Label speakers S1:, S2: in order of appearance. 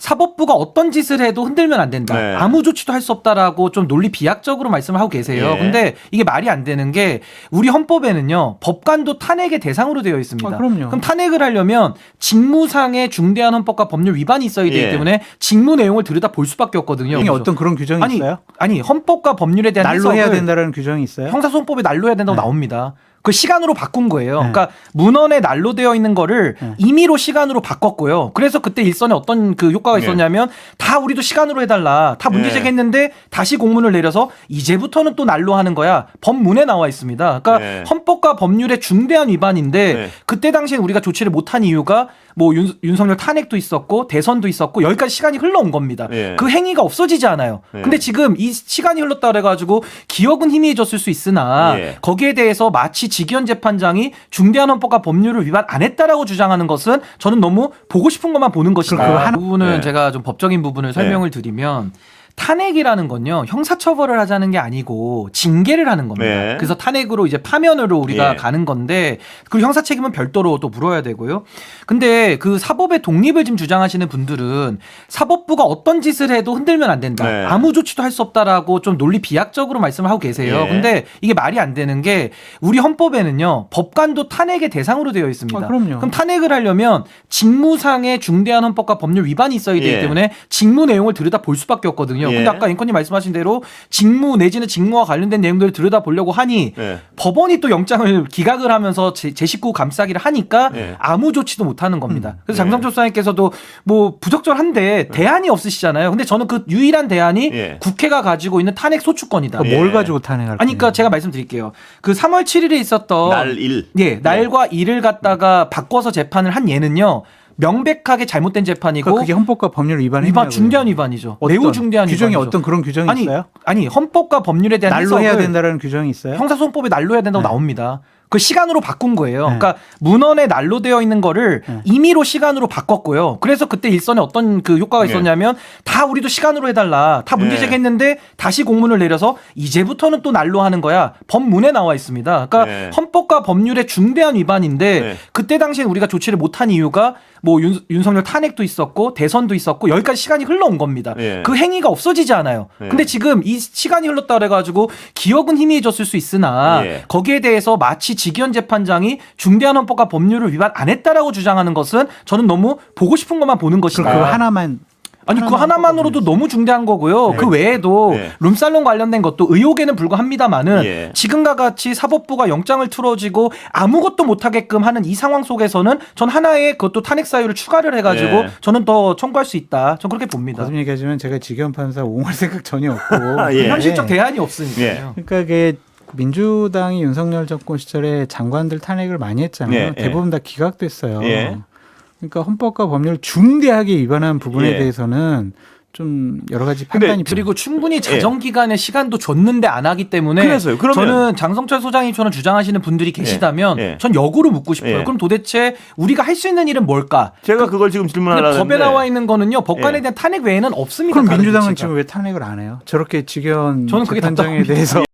S1: 사법부가 어떤 짓을 해도 흔들면 안 된다.
S2: 네.
S1: 아무 조치도 할 수 없다라고 좀 논리 비약적으로 말씀을 하고 계세요.
S2: 예.
S1: 근데 이게 말이 안 되는 게 우리 헌법에는요. 법관도 탄핵의 대상으로 되어 있습니다.
S3: 그럼요.
S1: 그럼 탄핵을 하려면 직무상의 중대한 헌법과 법률 위반이 있어야 되기
S2: 예.
S1: 때문에 직무 내용을 들여다 볼 수밖에 없거든요.
S3: 이게 어떤 그런 규정이 있어요?
S1: 아니 헌법과 법률에 대한
S3: 날로 해야
S1: 해석을
S3: 된다는 규정이 있어요?
S1: 형사소송법에 난로해야 된다고
S3: 네.
S1: 나옵니다. 그 시간으로 바꾼 거예요.
S3: 네.
S1: 그러니까 문헌에 난로되어 있는 거를
S3: 네.
S1: 임의로 시간으로 바꿨고요. 그래서 그때 일선에 어떤 그 효과가 있었냐면 다 우리도 시간으로 해달라. 다 문제
S2: 네.
S1: 제기했는데 다시 공문을 내려서 이제부터는 또 난로하는 거야. 법문에 나와 있습니다. 그러니까
S2: 네.
S1: 헌법과 법률의 중대한 위반인데
S2: 네.
S1: 그때 당시에 우리가 조치를 못한 이유가 뭐 윤석열 탄핵도 있었고 대선도 있었고 여기까지 시간이 흘러온 겁니다.
S2: 네.
S1: 그 행위가 없어지지 않아요.
S2: 네.
S1: 근데 지금 이 시간이 흘렀다 그래가지고 기억은 희미해졌을 수 있으나
S2: 예.
S1: 거기에 대해서 마치 직위원 재판장이 중대한 헌법과 법률을 위반 안 했다라고 주장하는 것은 저는 너무 보고 싶은 것만 보는 것이다.
S3: 그거 하나-
S1: 부분은
S2: 네.
S1: 제가 좀 법적인 부분을 설명을 드리면 탄핵이라는 건요 형사처벌을 하자는 게 아니고 징계를 하는 겁니다.
S2: 네.
S1: 그래서 탄핵으로 이제 파면으로 우리가
S2: 예.
S1: 가는 건데 그 형사 책임은 별도로 또 물어야 되고요. 근데 그 사법의 독립을 지금 주장하시는 분들은 사법부가 어떤 짓을 해도 흔들면 안 된다.
S2: 네.
S1: 아무 조치도 할 수 없다라고 좀 논리 비약적으로 말씀을 하고 계세요.
S2: 예.
S1: 근데 이게 말이 안 되는 게 우리 헌법에는요 법관도 탄핵의 대상으로 되어 있습니다.
S3: 그럼요.
S1: 그럼 탄핵을 하려면 직무상의 중대한 헌법과 법률 위반이 있어야 되기
S2: 예.
S1: 때문에 직무 내용을 들여다 볼 수밖에 없거든요.
S2: 예.
S1: 근데 아까 앵커님 말씀하신 대로 직무 내지는 직무와 관련된 내용들을 들여다 보려고 하니
S2: 네.
S1: 법원이 또 영장을 기각을 하면서 제 식구 감싸기를 하니까
S2: 예.
S1: 아무 조치도 못 하는 겁니다. 그래서
S2: 예.
S1: 장성철 수사님께서도 뭐 부적절한데 대안이 없으시잖아요. 근데 저는 그 유일한 대안이
S2: 예.
S1: 국회가 가지고 있는 탄핵 소추권이다.
S3: 그러니까 뭘
S2: 예.
S3: 가지고 탄핵할
S1: 아니, 그러니까 제가 말씀드릴게요. 그 3월 7일에 있었던
S2: 날 일.
S1: 예, 날과 일을 갖다가 바꿔서 재판을 한 예는요. 명백하게 잘못된 재판이고
S3: 그러니까 그게 헌법과 법률 위반이냐고요.
S1: 위반 중대한 위반이죠.
S3: 어떤,
S1: 매우 중대한
S3: 규정이
S1: 위반이죠.
S3: 어떤 그런 규정이 있어요?
S1: 아니 헌법과 법률에 대한
S3: 날로 해야
S1: 해석을
S3: 된다는 규정이 있어요?
S1: 형사소송법에 난로해야 된다고
S3: 네.
S1: 나옵니다. 그 시간으로 바꾼 거예요.
S3: 네.
S1: 그러니까 문헌에 난로되어 있는 거를
S3: 네.
S1: 임의로 시간으로 바꿨고요. 그래서 그때 일선에 어떤 그 효과가
S2: 네.
S1: 있었냐면 다 우리도 시간으로 해달라. 다 문제
S2: 네.
S1: 제기했는데 다시 공문을 내려서 이제부터는 또 난로하는 거야. 법문에 나와 있습니다. 그러니까
S2: 네.
S1: 헌법과 법률의 중대한 위반인데
S2: 네.
S1: 그때 당시에 우리가 조치를 못한 이유가 뭐 윤석열 탄핵도 있었고 대선도 있었고 여기까지 시간이 흘러온 겁니다.
S2: 네.
S1: 그 행위가 없어지지 않아요.
S2: 네.
S1: 근데 지금 이 시간이 흘렀다 그래가지고 기억은 희미해졌을 수 있으나
S2: 예.
S1: 거기에 대해서 마치 직위원 재판장이 중대한 헌법과 법률을 위반 안 했다라고 주장하는 것은 저는 너무 보고 싶은 것만 보는 것이다.
S3: 그럼 그거 하나만
S1: 아니 그 하나만으로도 너무 중대한 거고요.
S2: 네.
S1: 그 외에도
S2: 네.
S1: 룸살롱 관련된 것도 의혹에는 불과합니다만은
S2: 예.
S1: 지금과 같이 사법부가 영장을 틀어지고 아무것도 못하게끔 하는 이 상황 속에서는 전 하나의 그것도 탄핵 사유를 추가를 해가지고
S2: 예.
S1: 저는 더 청구할 수 있다. 전 그렇게 봅니다.
S3: 거듭 얘기하지만 제가 직위원 판사 옹호할 생각 전혀 없고
S2: 예.
S1: 현실적 대안이 없으니까요.
S3: 그러니까 이게 민주당이 윤석열 정권 시절에 장관들 탄핵을 많이 했잖아요.
S2: 예, 예.
S3: 대부분 다 기각됐어요.
S2: 예.
S3: 그러니까 헌법과 법률 중대하게 위반한 부분에
S2: 예.
S3: 대해서는 좀 여러 가지
S2: 근데
S3: 판단이
S1: 그리고 충분히 자정 기간에 시간도 줬는데 안 하기 때문에
S2: 그래서요. 그러면-
S1: 저는 장성철 소장님처럼 주장하시는 분들이 계시다면
S2: 예.
S1: 전 역으로 묻고 싶어요.
S2: 예.
S1: 그럼 도대체 우리가 할 수 있는 일은 뭘까?
S2: 제가 그걸 지금
S1: 근데
S2: 질문하려고
S1: 법에
S2: 했는데
S1: 나와 있는 거는요. 법관에
S2: 예.
S1: 대한 탄핵 외에는 없습니다.
S3: 그럼
S1: 다른
S3: 민주당은
S1: 조치가.
S3: 지금 왜 탄핵을 안 해요? 저렇게 직위원
S1: 저는 그게
S3: 재판장에
S1: 답답합니다.
S3: 대해서